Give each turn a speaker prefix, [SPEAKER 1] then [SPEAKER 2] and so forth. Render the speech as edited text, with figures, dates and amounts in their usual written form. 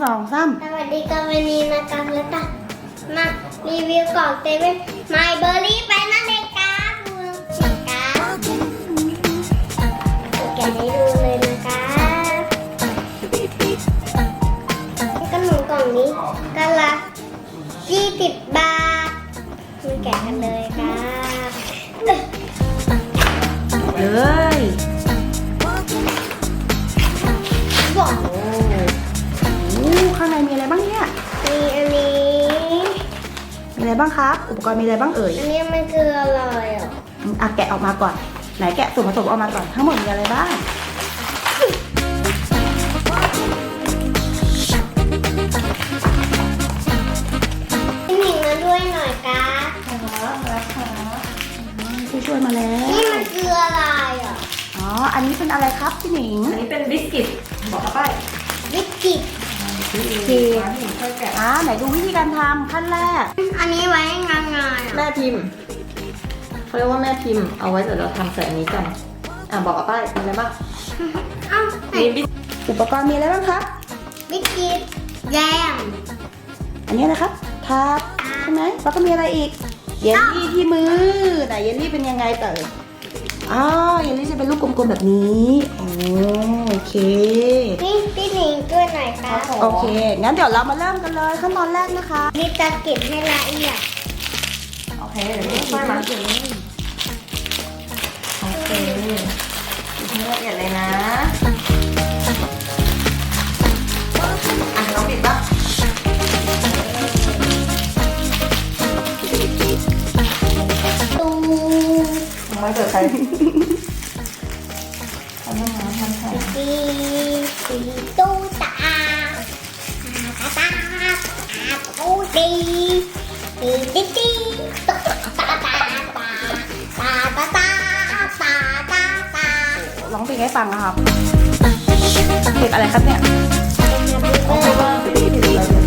[SPEAKER 1] 2 3
[SPEAKER 2] สวัสดีครับวันนี้นะครับแล้วก็มารีวิวกล่องเซเว่นไมเบอร์รี่ไปนั่นเองครับดูนะครับแกะให้ดูเลยนะครับขนมกล่องนี้ก็ละ20 บาทมาแกะกันเลยครับ
[SPEAKER 1] เลยว้าวโอ้ข้างในมีอะไรบ้างเนี่ย
[SPEAKER 2] มีอันนี้
[SPEAKER 1] มีอะไรบ้างครับ อุปกรณ์มีอะไรบ้างเอ่ย
[SPEAKER 2] อันนี้มันคืออะไรอ่ะ
[SPEAKER 1] อ่ะแกะออกมาก่อน ไหนแกะส่วนผสมออกมาก่อน ทั้งหมดมีอะไรบ้าง
[SPEAKER 2] พี่หนิงมาด้วยหน่อยครับ
[SPEAKER 1] ช่วยมาแล้ว
[SPEAKER 2] นี่มันคืออะไรอ่ะ
[SPEAKER 1] อ๋อ อันนี้เป็นอะไรครับพี่หนิง
[SPEAKER 3] อันนี้เป็นบิสกิตบอกเขาไป
[SPEAKER 2] วิสกิต
[SPEAKER 1] จี
[SPEAKER 3] ร้านหญิงช่วยแกะ
[SPEAKER 1] ไหนดูวิธีการทำขั้นแรก
[SPEAKER 2] อันนี้ไว้งานๆอ่ะ
[SPEAKER 3] แม่พิมพ์เขาเรียกว่าแม่พิมพ์เอาไว้เดี๋ยวเราทำใส่อันนี้กันบอกเขาไปมีอะไรบ้าง
[SPEAKER 2] เอ้าไหน
[SPEAKER 3] มีบิส
[SPEAKER 1] อุปกรณ์มีอะไรบ้างครับ
[SPEAKER 2] วิสกิตแยม
[SPEAKER 1] อันนี้นะครับทาบใช่ไหมแล้วก็มีอะไรอีก เยลลี่ที่มือ ไหนเยลลี่เป็นยังไงเต๋อเยลลี่จะเป็นลูกกลมๆแบบนี้โอเค
[SPEAKER 2] พี่หนิงช่วยหน่อยครับ
[SPEAKER 1] โอเค งั้นเดี๋ยวเรามาเริ่มกันเลยขั้นตอนแรกนะคะ
[SPEAKER 2] นี่จะเก็บให้ละเอียด
[SPEAKER 3] โอเคเดี๋ยวนี้ช่วยมาโอเคให้ละเอียดเลยนะน้องบิดบ้าง
[SPEAKER 2] ตู
[SPEAKER 3] ไม่เกิดใครทำยังไงทำใส่
[SPEAKER 2] ตีตูตาตาตูตีตีตีตาตาตาตาตาตาตาตาตาตา
[SPEAKER 1] ร้องเพลงให้ฟังนะครับเพลงอะไรครับเนี่ย
[SPEAKER 2] เป็น